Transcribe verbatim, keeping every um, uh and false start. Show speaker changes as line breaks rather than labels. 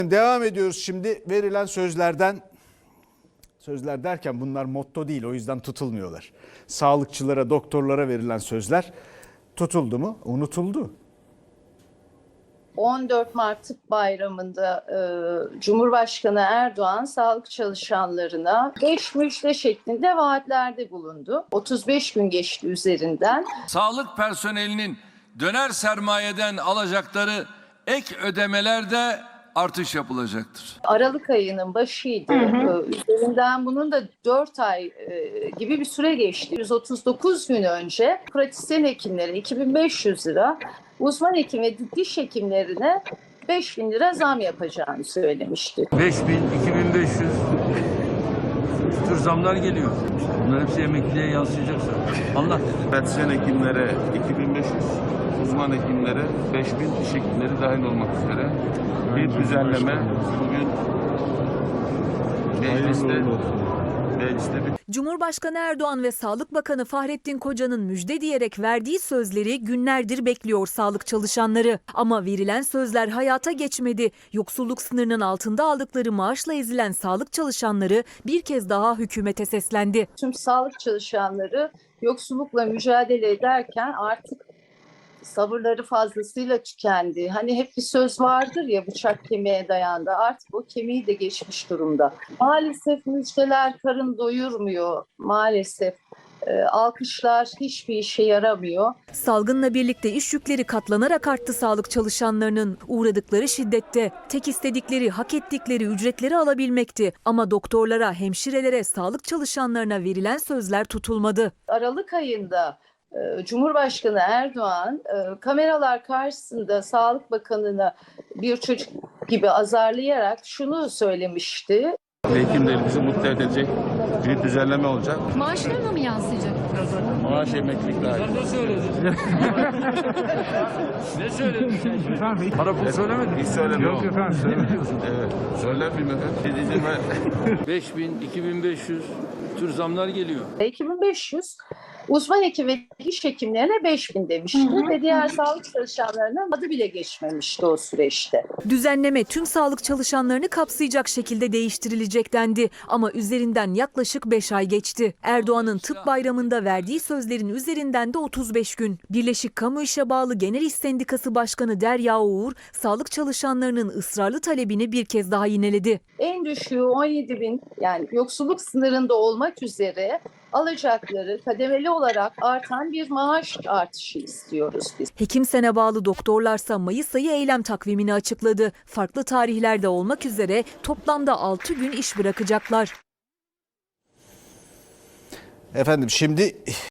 Devam ediyoruz şimdi verilen sözlerden. Sözler derken bunlar motto değil, o yüzden tutulmuyorlar. Sağlıkçılara, doktorlara verilen sözler tutuldu mu? Unutuldu.
on dört Mart Tıp Bayramı'nda e, Cumhurbaşkanı Erdoğan sağlık çalışanlarına beş müjde şeklinde vaatlerde bulundu. otuz beş gün geçti üzerinden.
Sağlık personelinin döner sermayeden alacakları ek ödemelerde artış yapılacaktır.
Aralık ayının başıydı. Hı hı. Üzerinden bunun da dört ay e, gibi bir süre geçti. yüz otuz dokuz gün önce pratisyen hekimlere iki bin beş yüz lira, uzman hekim ve diş hekimlerine beş bin lira zam yapacağını söylemişti.
beş bin, iki bin beş yüz bu tür zamlar geliyor. Bunlar hepsi emekliliğe yansıyacaksa. Allah dedi.
Pratisyen hekimlere iki bin beş yüz, uzman hekimlere beş bin, diş hekimleri dahil olmak üzere bir düzenleme bugün mecliste mecliste bir
Cumhurbaşkanı Erdoğan ve Sağlık Bakanı Fahrettin Koca'nın müjde diyerek verdiği sözleri günlerdir bekliyor sağlık çalışanları. Ama verilen sözler hayata geçmedi. Yoksulluk sınırının altında aldıkları maaşla ezilen sağlık çalışanları bir kez daha hükümete seslendi.
Tüm sağlık çalışanları yoksullukla mücadele ederken artık sabırları fazlasıyla tükendi. Hani hep bir söz vardır ya, bıçak kemiğe dayandı. Artık o kemiği de geçmiş durumda. Maalesef müjdeler karın doyurmuyor. Maalesef e, alkışlar hiçbir işe yaramıyor.
Salgınla birlikte iş yükleri katlanarak arttı sağlık çalışanlarının. Uğradıkları şiddette tek istedikleri, hak ettikleri ücretleri alabilmekti. Ama doktorlara, hemşirelere, sağlık çalışanlarına verilen sözler tutulmadı.
Aralık ayında Cumhurbaşkanı Erdoğan kameralar karşısında Sağlık Bakanı'na bir çocuk gibi azarlayarak şunu söylemişti.
hekimlerimizi mutlu edecek bir düzenleme olacak.
Maaşlarına mı yansıyacak?
Maaş emeklilik dahil.
Ne söyledin? Ne söyledin sen? Para pul söylemedin.
Hiç söylemiyorum.
Yok efendim söylemiyorsun.
Evet. Söyler miyim efendim? Dediğim
beş bin, iki bin beş yüz tür zamlar geliyor.
iki bin beş yüz uzman hekim ve diş hekimlerine beş bin demişti hı hı. Ve diğer sağlık çalışanlarına adı bile geçmemişti o süreçte.
Düzenleme tüm sağlık çalışanlarını kapsayacak şekilde değiştirilecek dendi. Ama üzerinden yaklaşık beş ay geçti. Erdoğan'ın tıp bayramında verdiği sözlerin üzerinden de otuz beş gün. Birleşik Kamu İşe Bağlı Genel İş Sendikası Başkanı Derya Uğur, sağlık çalışanlarının ısrarlı talebini bir kez daha yineledi.
En düşüğü on yedi bin, yani yoksulluk sınırında olmak üzere alacakları kademeli olarak artan bir maaş artışı istiyoruz biz.
Hekimsen'e bağlı doktorlarsa Mayıs ayı eylem takvimini açıkladı. Farklı tarihlerde olmak üzere toplamda altı gün iş bırakacaklar.
Efendim şimdi